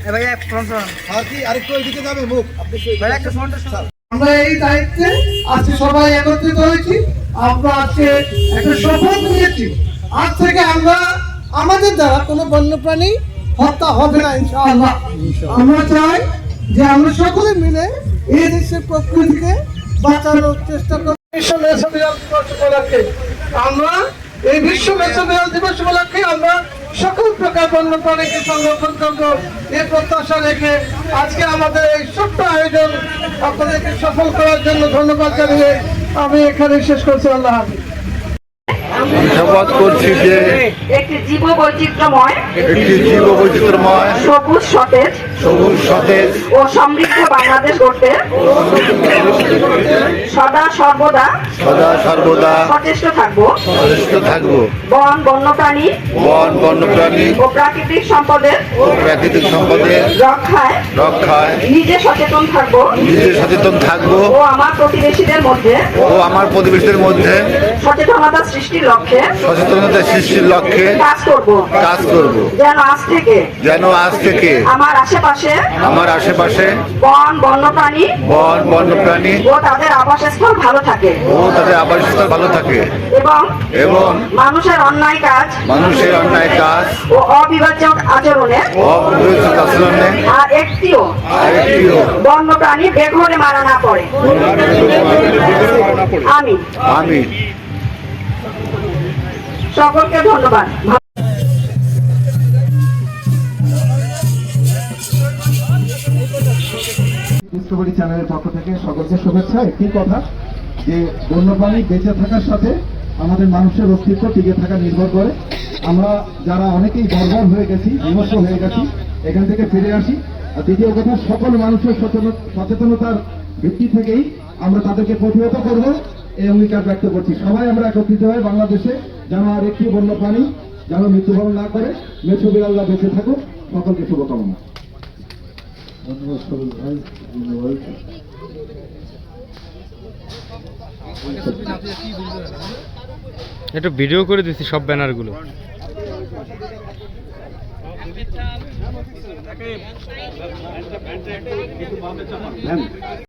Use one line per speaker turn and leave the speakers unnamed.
আমরা এই দায়িত্বে আজকে সবাই একত্রিত হয়েছি। আমরা আজকে একটা শপথ নিয়েছি, আজ থেকে আমরা আমাদের দ্বারা কোনো বন্যপ্রাণী হত্যা হবে না ইনশাআল্লাহ। আমরা চাই যে আমরা সকলে মিলে এই দেশের প্রকৃতিকে বাঁচানোর চেষ্টা করি। বিশ্ব মেসোবিড়াল দিবস উপলক্ষে আমরা এই বিশ্ব মেসোবিড়াল দিবস উপলক্ষে আমরা সকল প্রকার বন্যপ্রাণীকে সংরক্ষণ করবো এই প্রত্যাশা রেখে আজকে আমাদের এই ছোট্ট আয়োজন আপনাদেরকে সফল করার জন্য ধন্যবাদ জানিয়ে আমি এখানে শেষ করছি। আল্লাহ হাফেজ।
শপথ করছি যে
একটি জীববৈচিত্র্যময়
সবুজ সতেজ
ও সমৃদ্ধ বাংলাদেশ গড়তে সদা সর্বদা সচেষ্ট থাকবো। বন বন্যপ্রাণী ও প্রাকৃতিক সম্পদের রক্ষায় নিজে সচেতন থাকবো ও আমার প্রতিবেশীদের মধ্যে সচেতনতা সৃষ্টির লক্ষ্যে কাজ করব যেন আজ থেকে আমার আশেপাশে বন বন্যপ্রাণী ও তাদের আবাসস্থল ভালো থাকে এবং মানুষের অন্যায় কাজ ও অবিভাজ্য আচরণে আর একটিও বন্যপ্রাণী বেঘরে মারা না পড়ে। আমি সকলকে ধন্যবাদ।
ডিসকভারি চ্যানেলের পক্ষ থেকে সকলকে শুভেচ্ছা। একটি কথা যে বন্যপ্রাণী বেঁচে থাকার সাথে আমাদের মানুষের অস্তিত্ব টিকে থাকা নির্ভর করে। আমরা যারা অনেকেই বর্বর হয়ে গেছি, বিমর্ষ হয়ে গেছি, এখান থেকে ফিরে আসি। আর দ্বিতীয় কথা, সকল মানুষের সচেতনতার ভিত্তি থেকেই আমরা তাদেরকে প্রতিহত করব এই অঙ্গীকার ব্যক্ত করছি। সবাই আমরা একত্রিত হয়ে বাংলাদেশে যেন আর একটি বন্যপ্রাণী যেন মৃত্যুবরণ না করে, মেছোবিড়াল্লা বেঁচে থাকুক। সকলকে শুভকামনা।
একটু ভিডিও করে দিচ্ছি সব ব্যানারগুলো।